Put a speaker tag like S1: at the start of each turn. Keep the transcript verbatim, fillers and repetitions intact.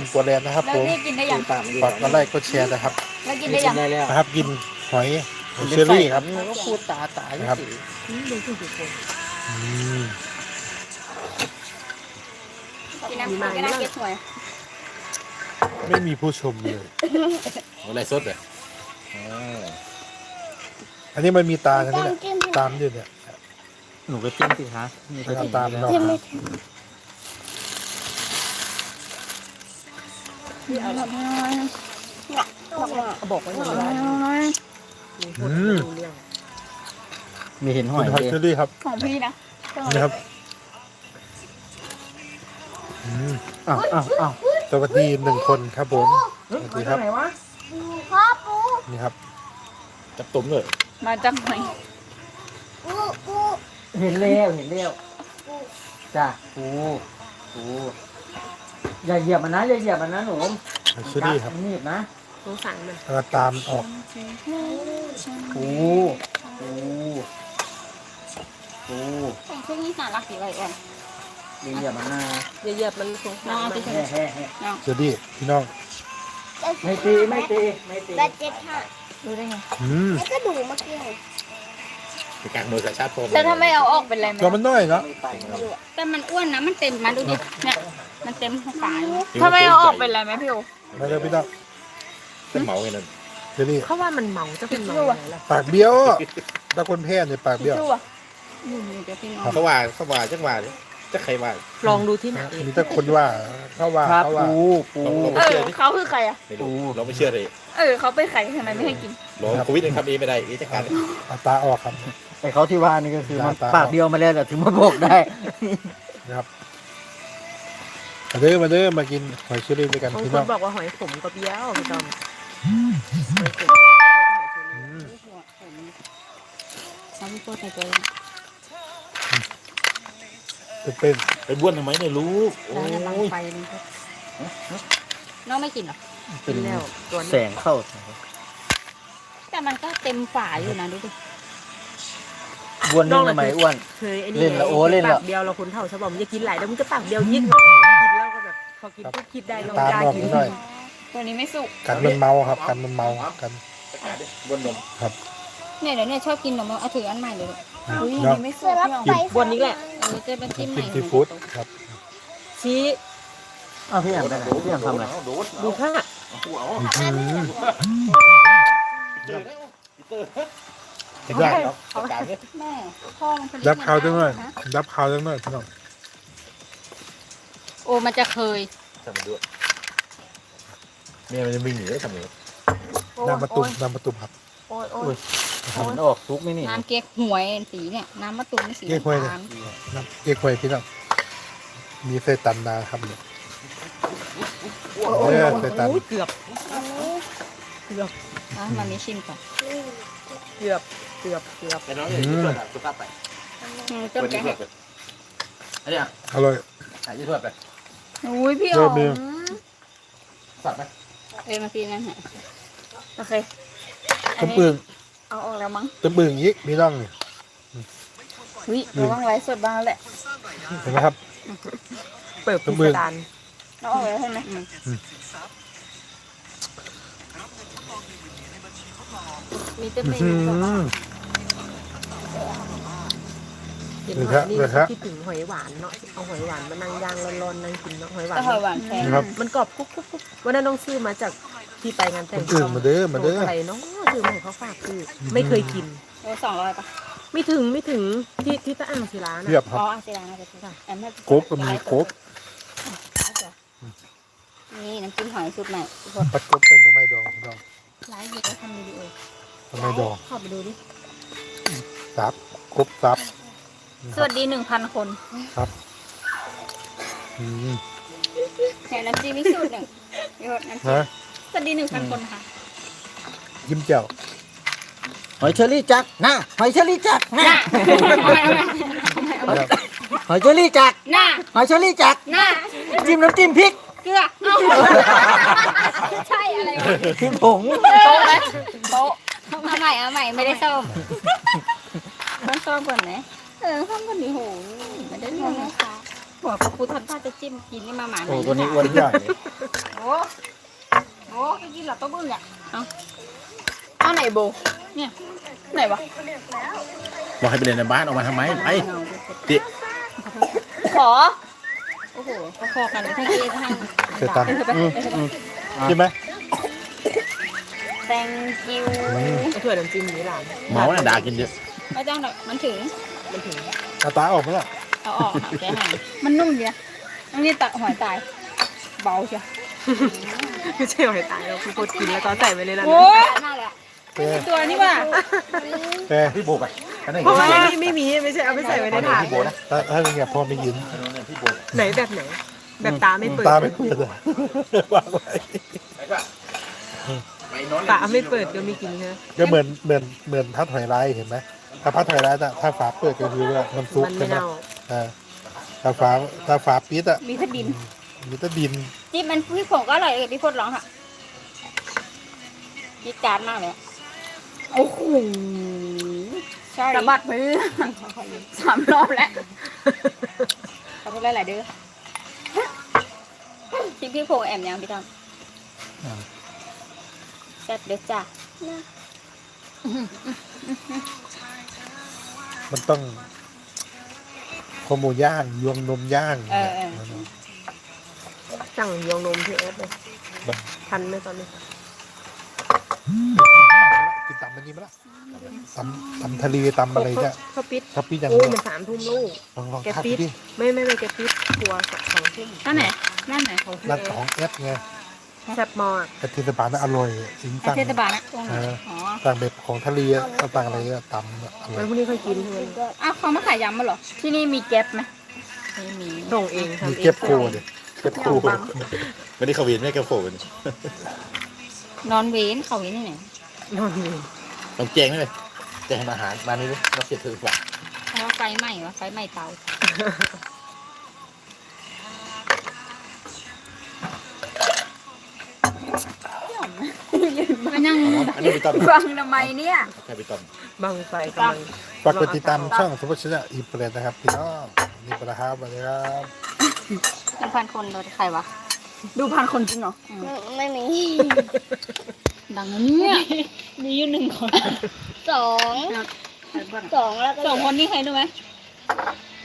S1: กัวแลนด์นะครับ
S2: แล้ว
S1: ผม
S2: นี่กินได้ยัง
S1: ฝากกดไลค์กดแชร์นะครับ
S2: แล้วกินได้ยัง
S3: ได้แล้ว
S1: นะครับกินหอยเชอรี่ครับ
S3: ก็พูดตาตา
S1: นะครับ
S3: นี่ดูทุกคน
S1: อืม
S2: กินน้ำกินก็น่าเก็บหวย
S1: ไม่มีผู้ชมเลย
S4: อะไรสดเลย
S1: อันนี้มันมีตาทั้งนี้แหละตามด้วยเนี่ย
S3: หนูก็จิ้มสิคะมี
S1: เอาตามเรา
S3: บอกว่าอย่างไร
S1: อืม
S3: มีเห็นห
S1: คุ
S3: อย
S1: ณหอย
S3: เลย
S1: เชอรี่ครับ
S2: ของพี่นะ
S1: นะครับอืม
S3: อ้าวอ้าวอ้าว
S1: สวัสดีหนึ่งคนครับผมสวัสดีครับ
S5: พ่อปู
S1: นี่ครับ
S4: จับตุ่มเลย
S2: มาจากไหน
S5: ปูปู
S3: เห็นแล้วเห็นแล้วจ้ะปูปูอย่าเหยียบมันนะอย่าเหยียบมันนะหนู
S1: หอยเชอรี่ครับ
S3: นี่นะ
S5: สงสารมัน
S1: แล้วก็ตามออก
S3: ปูปูปู
S2: ของช่วงนี้น่ารักดีเลยอ่ะ
S3: อย่าเหยียบมันนะ
S5: อย่าเหยียบมันสงสา
S2: น้อง
S5: ร
S2: เอา
S5: มั
S2: ไป
S5: น
S2: ใช้
S3: แฮ่แฮ่แฮ่
S2: น้อง
S1: เชอรี่พี่น้อง
S3: ไม่ตีไม่ตีไม่ตี
S5: แบตเจ็ดห้า
S2: ดูได้ไง
S1: อืม
S5: แล้วก็ดูเมื่อกี้ไง
S4: เป็นการมือกับชาติพรม
S2: แล้วถ้าไม่เอาออกเป็นไรไหม
S1: ตัวมันน้อยเนาะ
S3: ไม่ไปนะ
S2: แต่มันอ้วนนะมันเต็มมาดูดิเนี่ยมันเต็มฝาถ้าไม่เอาออกเป็นไรไหมพี่โอ
S1: มาเลยพี่น้อง
S4: เป็นเหมาไงนั่น
S1: เชอรี่
S5: เขาว่ามันเมาจะเป็นเมาอะไรล่ะ
S1: ปากเบี้ยวถ้าคนแพ้เนี่ยปากเบี้ยว
S2: ชู่อ่ะอยู่เดี๋ยวพี่น้อง
S4: เขาว่าเขาว่าจังว่าเนี่ยจะใครว่า
S5: ลองดูที่ไหน
S1: มีแต่คนว่าเขาว่า
S3: ครับ
S1: เขาว่า
S3: ปูปู
S4: ลองลอง
S2: เอ
S4: ไป
S2: อ
S4: เชื่อดิ
S2: เขาคือใครอ่ะ
S4: ไม่รู้เราไม่เชื่อเลย
S2: เออเขาเป็นใครทำไมไม่ให้กิน
S4: ลองโควิดยังทำเองไม่ได้เอ๊ะจะการ
S1: เอาตาออกครับ
S3: ไอ้เขาที่ว่านี่ก็คือมัน
S1: ตา
S3: ปากเดียวมาแล้วแต่ถึงมาบอกได้
S1: นะครับมาเด้อมาเด้อมากินหอยเชอรี่ด้วยกัน
S5: บาง
S1: พี่
S5: ค
S1: น้อน ง
S5: บอกว่าหอยขมกับเบี้ยวพี่จอม
S1: อืม
S2: เอาพี่โก้ใส่ตัว
S1: จะเป็น
S4: ไปบ้วนทำไมเนี่ยลูกโอ้
S2: แล้วบัง
S4: ย
S2: ไฟนี่น้องไม่กินหรอ
S3: เป็น
S5: แล้วตัว
S3: แส
S5: นี้
S3: งเข้า
S2: แต่มันก็เต็มฝาอยู่นะดูดิ
S3: บ้วนนึงทำไมอ้วน
S5: เคยไอ้นี่
S3: เล่นแล้วโอ้เล่นแล้ว
S5: ปากเดียวเราคนเท่าชาวบ้านมันจะกินหลายแล้วมันจะปากเดียวยิ่งกินแล้วก็แบบพอกินปุ๊บคิดได้ลอง
S1: ตาม
S5: กล้า
S1: ออก
S5: กิน
S1: นิดหน่อย
S2: ตัวนี้ไม่สุก
S1: กันมันเมาครับกันมันเมากัน
S4: บ้วนนม
S2: เนี่ยเดี๋ยวเนี่ยชอบกินนมเอาถืออันใหม่เลยอุ้ย
S1: เนาะ
S2: นี่ไม่สุกพี่น้อง
S5: บนนี้แหละ
S2: เออจะเป็นจิ้มให
S1: กิ
S2: ม่
S1: นซีฟู้ดครับ
S5: ชี้
S3: อ้าวพี่แอมไปไหนพี่แอมทำอะไร
S5: ดูค่ะ
S1: อืม
S4: จะได้เนาะจัดการเนี่ย
S2: แม่พ่อมันผลิต
S1: รับข่าวจังหน่อย
S2: นะ
S1: รับข่าวจังหน่อยพี่น้อง
S2: โอ้มันจะเคย
S4: ทำมันด้วยเมียมันจะวิ่งหนีได้ทำไง
S1: น้ำมะตุ่มน้ำมะตุ่มครับ
S5: โอ้ยโอ้
S3: อุ้
S5: ย
S3: ยมันออกทุกนี่นี่
S2: น้ำเก๊กหวยสีเนี่ยน้ำมะตูมสี
S1: เก๊กฮวยเลย
S2: น้ำตาล
S1: น้ำเก๊กฮวยพี่น้องมีไส้ตันนาครับเนี่ยเออไส้ตัน
S5: โอ้ยเกือบเกือบ
S2: อ่ะมันมีชิมก่อน
S5: เกือบเกือบเกือบ
S4: แต่น้องเนี่ยยืดตัวสุภาพไป
S2: อืมต้มแกงเห็ด
S4: อันนี้อ่ะ
S1: อร่อย
S4: ยืดตัวไป
S2: อุ้ยพี่
S1: เริ่
S2: อ๋อ
S1: มเลย
S4: สับไหม
S2: เอ้ยมากินนั่นฮะโอเคอั
S1: ต้
S2: น
S1: ม
S2: นี้
S1: ปึ่ง
S2: เอาออกแล้วมั้ง
S1: ต้มปึ่งอีกพี่น้องนี่
S2: วิระวังไลฟ์สดบ้างแหละ
S1: เห็นไหมครับ
S5: เปิดพิสดาร
S2: เอาออกแล้วใช่ไหมมีเต็มเม
S1: อื
S2: นู
S1: ม
S5: เห็น
S1: เลย
S5: ห
S1: ค
S5: อ
S1: รั
S5: ย
S1: บ
S5: นี่
S1: เลยครับ
S5: คิดถึงหอยหวานเนาะเอาหอยหวานมานั่งย่างร้อนๆนั่งกินเนาะหอยหวาน
S2: แต่หอยหวานแพง
S1: ครับ
S5: มันกรอบกุ๊บกุ๊บกุ๊บวันนั้นน้องซื้อมาจากที่ไปงานแต่ง
S1: คนอื่นมาเด้อมาเด้อ
S5: อะไรเนาะซื้อมาให้เขาฝากคือไม่เคยกิน
S2: เออสองร้อยปะ
S5: ไม่ถึงไม่ถึงที่ที่ตะอ่างศิลานะ
S1: เทียบครั
S2: อ๋
S1: บ
S2: ออาเซียนนะจะพูดแอมให้
S1: โก๊กก็มีโก๊ก
S2: นี่น้ำจิ้มหอยสูตรใหม่ทุกคน
S1: ปัดโก๊กเป็นทำไมดองพี่น้อง
S2: ไลฟ์อยู่ก็ทำวิดีโอ
S1: ทำไมดอง
S5: เข้าไปดูดิ
S1: ซับโก๊กซับ
S2: สวัสดีหนึ่งพันคน
S1: ครับอืม
S2: เนี่ยน้ำจิ้มมีสูตรหนึ่งเดี๋ยวน้ำจิ้ม
S1: ฮะ
S2: สวัสดีหนึ่งพันคนค่ะ
S1: ยิ้มแจ่ว
S3: หอยเชอรี่จักนะหอยเชอรี่จักนะ
S1: ครับ
S3: หอยเชอรี่จัก
S2: หน้า
S3: หอยเชอรี่จัก
S2: หน้า
S3: จิ้มน้ำจิ้มพริก
S2: เกลือเอาใช่อะไรวะ
S3: พริกผง
S2: โต๊ะไหมโต๊ะเอาใหม่เอาใหม่ไม่ได้ส้มต้องส้มก่อนไหมเออส้มก่อนดิโหไม่ได้เรื่องนะคะหัวพระพุทธท่านจะจิ้มกินนี่มาหมาไหน
S3: โอ้ตัวนี้อ้วนใหญ่เลย
S2: โอ้เขาบึ้งอ่ะเอาเอาไหนโบเนี่ยไหนวะ
S4: บอกให้ไปเล่นในบ้านออกมาทำไมไปติ
S2: ขอโอ้โหเขาคอกันทั้งเอทั้ง
S1: เคยตัน
S3: อืมอืม
S1: ใช่ไหม
S2: แตงกิว
S5: เอาถั่วน้ำจิ้มนี้หลาน
S4: เมาน่ะด่ากินเยอะ
S2: ไม่ต้องหรอกมันถึง
S5: มันถึง
S1: เอาตาออกไหมล่ะ
S2: เอาออกค่ะแกหางมันนุ่มดีนะต้องนี่ตักหอยตายเบาเชียว
S5: ไม่ใช่หอยตายเราคือโคตรกินแล้วก็ใส่ไว้เลยล่ะ
S2: โอ้ยน่าเลย
S1: เป้
S2: ตัวนี้ว่ะ
S1: เป้
S4: พี่โบไปอันนั้น
S5: เพราะว่าไม่ไม่มีไม่ใช่เอาไปใส่ไว้ในถาด
S4: พี่โบนะ
S1: ถ้าถ้าเป็นไงพ่อไม่ยิน
S4: พี่โบ
S5: ไหนแบบไหน แบบตาไม่เปิด
S1: ตาไม่เปิดอะวางไว้
S4: ไปป่ะไปนอน
S5: ตาไม่เปิดก็ไม่กินใช่ไหม
S1: ก็เหมือนเหมือนเหมือนพัดหอยลายเห็นไหมถ้าพัดหอยลายอะถ้าฝาเปิดก็คือว่ามันซุก
S5: มัน
S1: ใช่
S5: ไม่
S1: ไหม
S5: เน่า
S1: อ่าถ้าฝาถ้าฝาปิดอะ
S2: มีทดิน
S1: มีแต่ดิน
S2: จิ๊บมันพี่ผงก็อร่อยเลยพี่พดร้องค่ะจิ๊บจานมากเลยโอ้โหสะบัดมือสามรอบแล้วขอโทษหลายๆเด้อจิ๊บพี่ผงแอมยังพี่ทอมแซ่บเด้อจ้ะ
S1: มันต้องข้าวหมูย่างยวงนมย่าง
S2: เออเออ
S5: สั่งยองนมที่แอปเลยทันไหมตอนนี้
S1: กินตำมันนี้ไหมล่ะตำตำทะเลตำอะไรเนี่ย
S5: เขาปิด
S1: ถ้าปิดอย่าง
S5: โอ้
S1: เดียว
S5: มันสามทุ่มลูก
S1: ลองลอง
S5: แก
S1: ทัก
S5: ปิด
S1: ดิ
S5: ไม่ไม่ไม่แกปิดครัวสองทุ่ม
S2: นั่นไหนนั่นไหน
S5: ของพี่
S1: ร้าน
S5: แอ
S1: ของ
S5: ฟ
S1: เอสไง
S5: แซ่บมาก
S1: แต่เทศบาลน่ะอร่อยจริงจัง
S2: เทศบาลนะตรงไหน
S1: เออ
S2: อ๋อ
S1: ต่างแบบของทะเลอะต่างอะไรอะตำอะอร่อ
S5: แล้
S1: ยว
S5: พรุ่งนี้ค่อยกินใช่ไหม
S2: อ้าวเขามาขายยำมาเหรอ ที่นี่มีแก๊ปไหมไม่มี
S5: ส่งเองทำ
S1: มี
S5: เอง
S1: เก็บโคเลยเก็บโค
S4: ไม่ได้เขาเวียนไม่แกโผล่กัน
S2: นอนเวนเขาเวนที่ไหน
S5: นอนอยู่
S4: ต้องแจงเลยแจงอาหารมานี่เลยเราเสียถือกว่า
S2: เพราะว่าไฟไหม้วะไฟไหม้เตามันยัง
S4: อันนี้ไปต้ม
S2: ฟังทำไมเนี่ย
S4: ใครไปต้ม
S5: บังไฟกำลัง
S1: ฝากกดติดตามช่องสมบัติชนะอีเปรตนะครับพี่น้องนี่ปะนะครับสวัสดีครับ
S2: ดูพันคนโดยใครวะ ดูพันคนจริงเหรอ
S6: ไม่มี
S2: ดังนะเนี่ยมีอยู่หนึ่งคน
S6: สองสองแล้วก็
S2: สองคนนี่ใครรู้ไหม